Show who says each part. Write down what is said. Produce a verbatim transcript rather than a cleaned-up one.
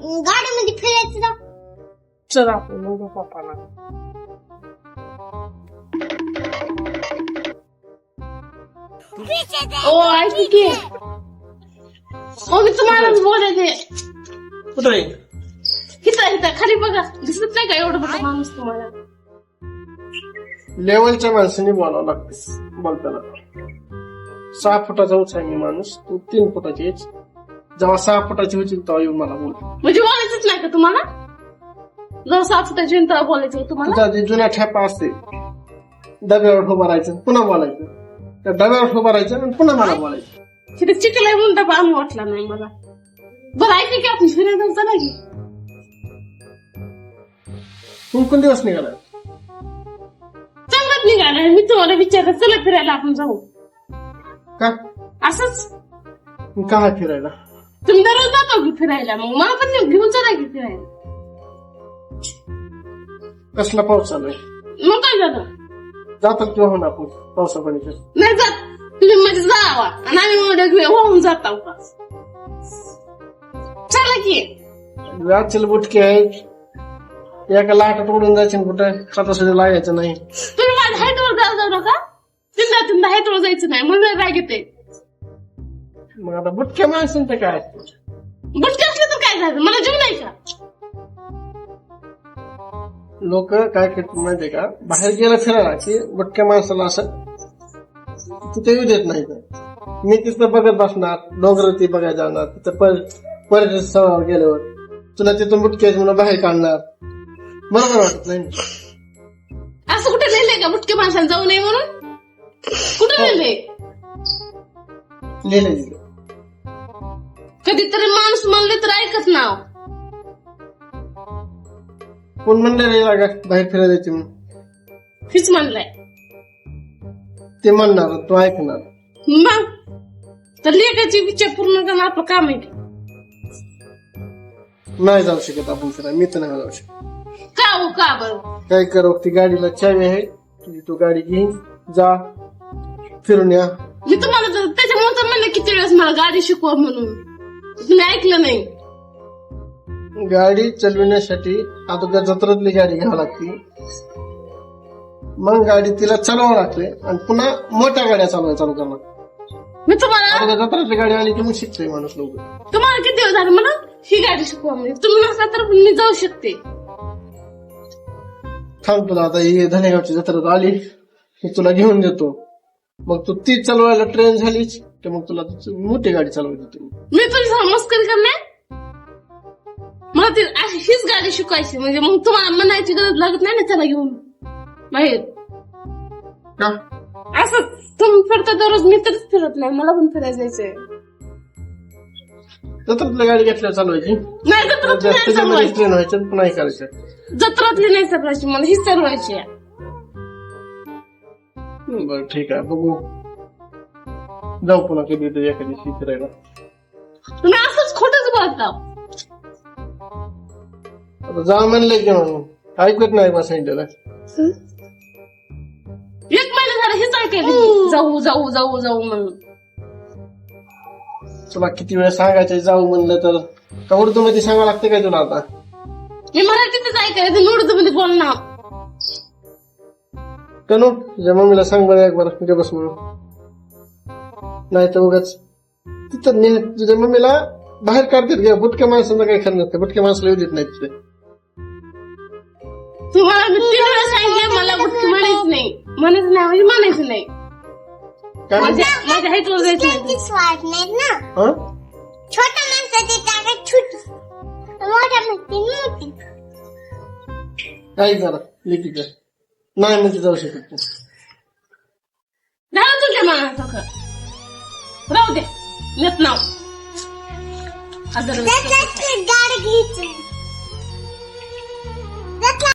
Speaker 1: गाडीमध्ये फिरायचं ना.
Speaker 2: चल आपण उद्या पप्पाला. ओ ऐक की ओ मी तुम्हालाच बोलायचे.
Speaker 3: कुठं आहे
Speaker 2: हिथं हिथं खाली बघा, दिसत नाही का एवढं मोठा माणूस तुम्हाला?
Speaker 3: लेवलच्या माणसाने बोलावं लागते बोलताना. सहा फुटाचा उंच आहे मी माणूस, तू तीन फुटाची आहेस. जेव्हा सहा फुटाची होतील तेव्हा येऊन मला बोल.
Speaker 2: म्हणजे बोलायचंच नाही का तुम्हाला? जर सात फुटाची तेव्हा बोलायचं तुम्हाला?
Speaker 3: तुझा जे जुना ठेपा असते डब्यावर उभं राहायचं पुन्हा बोलायचं, त्या डब्यावर उभं राहायचं आणि पुन्हा मला बोलायचं.
Speaker 2: तिथे चिकलाय म्हणून डबा आणून वाटला नाही मला. बरं ऐक की आपण फिरायला जाऊ चला की.
Speaker 3: तू कोण दिवस निघाला?
Speaker 2: चांगलाच निघालाय. मी तुम्हाला विचारलं चला फिरायला आपण जाऊ.
Speaker 3: का
Speaker 2: असंच
Speaker 3: काय फिरायला?
Speaker 2: तुम्ही दररोज जातो की फिरायला, मग मला पण घेऊन चला की फिरायला.
Speaker 3: कसला पाऊस चालू आहे?
Speaker 2: मग काय झालं?
Speaker 3: जातात किंवा होणार आपण पावसा पाण्याच्या?
Speaker 2: नाही जात तुम्ही म्हणजे जावा आणि आम्ही मध्ये वाहून जाता का? चला की.
Speaker 3: आजचे बुटके आहेत, एका लाटात उडून जायचे कुठं खाता सुद्धा लागायचं नाही.
Speaker 2: तुम्ही माझ्या हाईटवर जाऊ जाऊ नका. तिंदा तिंदा हाईटवर जायचं नाही म्हणून राग येते.
Speaker 3: मग आता बुटक्या माणसांचं काय?
Speaker 2: बुटके असले तर काय झालं? मला जीव नाही का?
Speaker 3: लोक काय करतात माहितीये का, बाहेर गेलं फिरायला की बुटक्या माणसाला असं तिथे येऊ देत नाही. मी तिथं बघत बसणार, डोंगर ती बघायला जाणार, तिथं पर्यटन स्थळावर गेल्यावर तुला तिथून बुटक्या म्हणून बाहेर काढणार. मला काय वाटत नाही.
Speaker 2: असं कुठे लिहिलंय का बुटके माणसाला जाऊ नये म्हणून? कुठे लिहिलंय?
Speaker 3: लिहिलं लिहिलं
Speaker 2: कधीतरी माणूस म्हणले तर ऐकत नाव.
Speaker 3: कोण म्हणलं रे लागा बाहेर फिरायला जायची म्हणून?
Speaker 2: हीच म्हणलाय.
Speaker 3: ते म्हणणार, तू ऐकणार.
Speaker 2: मग तर लेखाची विचार पूर्ण करणं आपलं काम आहे की.
Speaker 3: नाही जाऊ शकत आपण फिरायला, मी तर नाही जाऊ शकत.
Speaker 2: का हो का बरं?
Speaker 3: काय करू, ती गाडीला चावी आहे, तुझी तू गाडी घेईन, जा फिरून या.
Speaker 2: मी तुम्हाला तर- त्याच्यामुळे तर म्हणलं किती वेळेस मला गाडी शिकवा म्हणून. तुम्ही ऐकलं नाही.
Speaker 3: गाडी चालविण्यासाठी अगोदर जत्रातली गाडी घ्यावी लागते, मग गाडी तिला चालवावं लागते आणि पुन्हा मोठ्या गाड्या चालवायला चालू करणार.
Speaker 2: मी तुम्हाला
Speaker 3: अगोदर जत्रातली गाडी आली की मग शिकतोय माणूस लोक.
Speaker 2: तुम्हाला किती दिवस झाले मला ही गाडी शिकवा म्हणजे? तुम्ही नसला तर मी जाऊ शकते.
Speaker 3: थांब, तुला आता ही धनेगावची जत्रात आली की तुला घेऊन देतो, मग तू ती चालवायला ट्रेन झालीच तर मग तुला मोठी गाडी चालवायची देतो.
Speaker 2: मी तुझी मस्करी करणार? मला ती अशी- हीच गाडी शिकवायची म्हणजे मग तुम्हाला म्हणायची गरज लागत नाही ना त्याला घेऊन बाहेर.
Speaker 3: का
Speaker 2: असं तुम्ही फिरता दररोज, मी तरीच फिरत नाही. मला पण फिरायला जायचंय.
Speaker 3: जत्रातली गाडी घेतल्यावर चालवायची,
Speaker 2: नाही जत्रात नाही
Speaker 3: जास्त
Speaker 2: चालवायची.
Speaker 3: ट्रेन व्हायचं पुन्हा हे करायचं.
Speaker 2: जत्रातली नाही चालवायची, मला हीच चालवायची आहे.
Speaker 3: बरं ठीक आहे, बघू जाऊ पुन्हा कधी तुझ्या एखादी फिरायला.
Speaker 2: तुम्ही असंच खोटंच बोलता.
Speaker 3: आता जा म्हणलंय की म्हणून ऐकत नाही बा सांगितलेलं.
Speaker 2: एक महिना झाला हेच ऐकायला जाऊ जाऊ जाऊ जाऊ म्हणून.
Speaker 3: तुला किती वेळ सांगायचं जाऊ म्हणलं तर का उर्दू मध्ये सांगावं लागतं काय तुला? आता
Speaker 2: मी मराठीतच ऐकायचं, उर्दू मध्ये बोलणार.
Speaker 3: तनु तुझ्या मम्मीला सांग बरं एक बरं तुझ्या बस म्हणून, नाही तर उगाच तिथं ने- तुझ्या मम्मीला बाहेर काढतात घ्या. बुटक्या माणसांना काही खरं नसतं, बुटक्या माणसाला येऊ देत नाही तिथे.
Speaker 2: तुम्हाला मी तीन वेळा सांगितलं मला बुटकी म्हणायचं नाही. म्हणायचं नाही म्हणजे म्हणायचं नाही.
Speaker 3: काय म्हणते?
Speaker 2: माझ्या माझ्या हाईटवर जायचं नाही.
Speaker 1: ती स्वाद नाही ना.
Speaker 3: हं?
Speaker 1: छोट्या माणसाची ताकद छोटी, मोठ्या माणसाची मोठी.
Speaker 3: काय करा लिखी कर, नाही म्हणजे जाऊ शकत तू.
Speaker 2: झालं तुझ्या मनासारखं. राहू दे नेत नाव.
Speaker 1: त्यातलं गाडी घ्यायची. त्यातलं